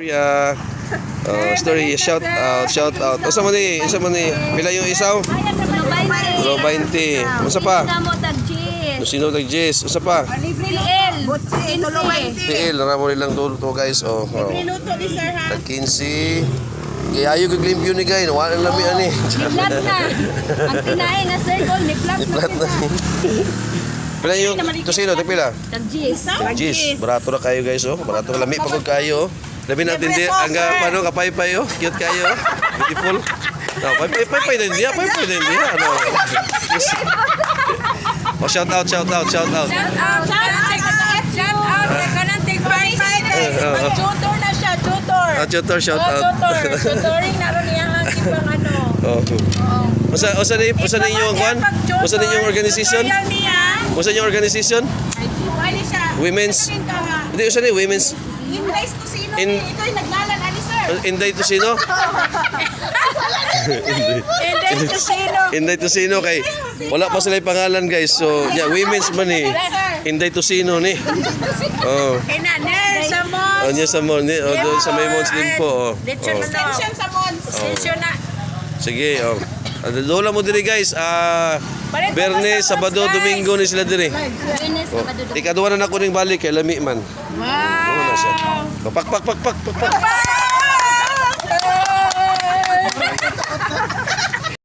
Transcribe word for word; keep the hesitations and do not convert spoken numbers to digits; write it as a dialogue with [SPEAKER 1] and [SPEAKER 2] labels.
[SPEAKER 1] Uh, uh, story, shout out, shout out. Usa man ni, usa man ni. Pila yung isaw? Tulo twenty. Usa pa? Sino tag Jess? Usa pa?
[SPEAKER 2] T L.
[SPEAKER 1] T L, ramo nilang tulo to guys. Oh. oh. Tag quince. Kaya ayo kag limpyo ni guys, wala lang lami ani.
[SPEAKER 2] Ni-flat na. Ang tinahin na circle, ni-flat na.
[SPEAKER 1] Pila yung tusino, tag pila?
[SPEAKER 2] Tag Jess.
[SPEAKER 1] Jess, barato na kayo guys oh. Barato lami pa kog kayo. Labi natin di ang paano kapay-pay oh. Cute kayo. Beautiful. No, pay-pay din dia, pay-pay din dia. Ano? Oh, shout out, shout out, shout out.
[SPEAKER 3] Shout out, shout out, shout out. Ikaw nang tig five five guys. Mag-tutor na siya, tutor.
[SPEAKER 1] Ah, tutor, shout out.
[SPEAKER 3] Tutor, tutoring na ron niya ang ibang ano.
[SPEAKER 1] Oh. Usa usa ni usa ni yung kwan? Usa ni yung organization? Usa yung organization?
[SPEAKER 3] Wali siya.
[SPEAKER 1] Women's. Hindi usa ni women's.
[SPEAKER 3] Invite to sino?
[SPEAKER 1] In-
[SPEAKER 3] Ito'y naglalan ani sir.
[SPEAKER 1] Inday to sino?
[SPEAKER 3] Invite to sino?
[SPEAKER 1] Inday to sino kay wala pa sila yung pangalan guys. So, yeah, women's man ni. Inday to sino ni. Oh.
[SPEAKER 3] Kinaner sa mo.
[SPEAKER 1] Oh, niya sa mo ni, oh, doon sa may Mons din po. Oh.
[SPEAKER 3] Dito
[SPEAKER 1] Oh.
[SPEAKER 3] na extension sa Mons. Extension na.
[SPEAKER 1] Sige, oh. Doon lang mo diri guys. Ah, Bernes, Sabado, Domingo ni sila diri.
[SPEAKER 2] Venus, Sabado.
[SPEAKER 1] Ikaduwa na nako ning balik kay lami man.
[SPEAKER 3] Wow.
[SPEAKER 1] Pak pak pak pak pak. pak.